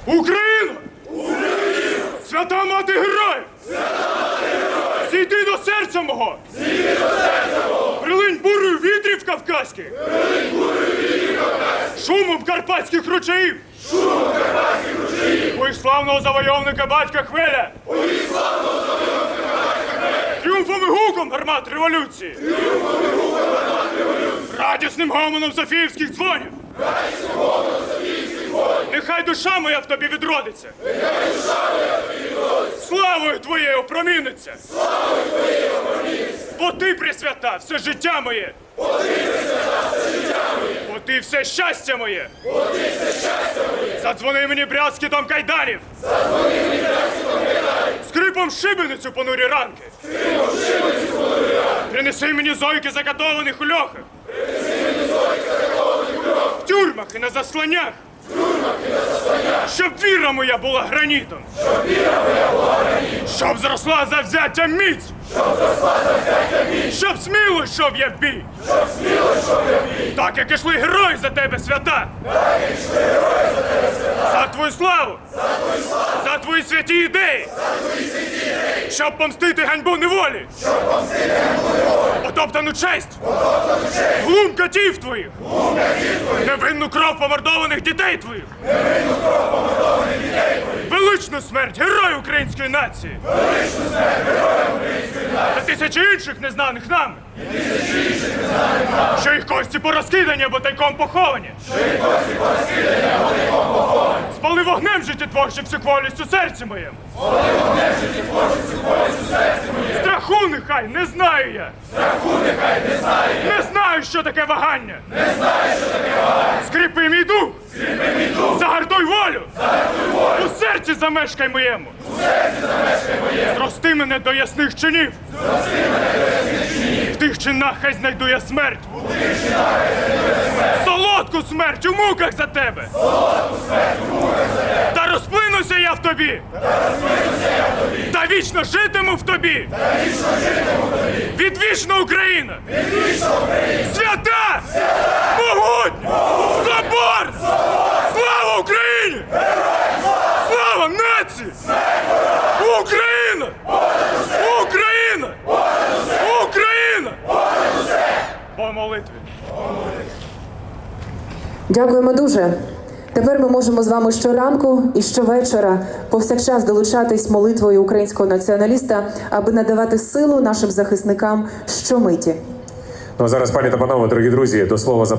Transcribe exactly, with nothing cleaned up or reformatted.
Україна! Україна! Свята мати героїв! Свята мати героїв! Зійди до серця мого! Зійди до серця мого! Прилинь бурою вітрів кавказьких! Прилинь бурою вітрів кавказьких! Шумом карпатських ручаїв! Шумом карпатських ручаїв! Бої славного завойовника батька Хвеля! Бої славного завойовника батька Хвеля! Тріумфом і гуком гармат революції! Тріумфом і гуком гармат революції! Радісним гомоном софіївських дзвонів! Радісним гомоном софіївських дзвонів! Нехай душа моя в тобі відродиться! Нехай душа моя в тобі відродиться! Славою твоєю опроміниться! Славою твоєю опроміниться! Бо ти, Пресвята, все життя моє! Бо ти, Пресвята, все життя моє! Бо ти все щастя моє! Бо ти все щастя моє! Задзвони мені брязкітом кайданів! Задзвони мені брязкітом кайданів! Скрипом шибеницю понурі ранки! Скрипом шибеницю понурі ранки! Принеси мені зойки закатованих у льохах! Принеси мені зойки закатованих у льохах! В тюрмах і на засланнях! В тюрмах і на засланнях! Щоб віра моя була гранітом! Щоб віра моя була гранітом! Щоб зросла завзяття міць! Щоб зросла завзяття міць! Щоб сміло йшов я в бій! Щоб сміло йшов я в бій! Так, як ішли герої за тебе, свята! Так, як ішли герої за тебе, свята! За твою славу! За твою славу! За твої святі ідеї! За твої святі ідеї! Щоб помстити ганьбу неволі! Щоб помстити ганьбу неволі! Потоптану честь! Потоптану честь! Глум катів твоїх! Глум катів твоїх! Невинну кров помордованих дітей твоїх! Невинну кров помордованих дітей твоїх! Величну смерть героїв української нації! Величну смерть героїв української нації! Та тисячі інших незнаних нами! І тисячі інших незнаних нами! Що їх кості порозкидані або тайком поховані! Що їх кості порозкидані або тайком поховані! Спали вогнем життєтворчим всекволістю у серці моєму! Спали вогнем життєтворчим всекволістю у серці моєму! Страху нехай не знаю я! Страху нехай не знаю я! Не знаю, що таке вагання! Не знаю, що таке вагання! Скріпи мій дух! Скріпи мій дух! Загартуй волю! Загартуй волю! У серці замешкай моєму! У серці замешкай моєму! Зрости мене до ясних чинів! Зрости мене до ясних чинів! В тих чинах хай знайду я смерть! У тих чинах хай знайду я смерть! Солодку смерть у муках за тебе! Солодку смерть у муках за тебе! Та розплинуся я в тобі! Та розплинуся я в тобі! Та вічно житиму в тобі! Та вічно житиму в тобі! Відвічна Україна! Відвічна Україна! Свята! Свята! Могутня! Могутня! Собор! Собор! Слава Україні! Героям слава! Слава нації! Смерть! Україна! Україна! Україна! По молитві! Дякуємо дуже. Тепер ми можемо з вами щоранку і щовечора повсякчас долучатись молитвою українського націоналіста, аби надавати силу нашим захисникам щомиті. Ну а зараз, пані та панове, дорогі друзі, до слова за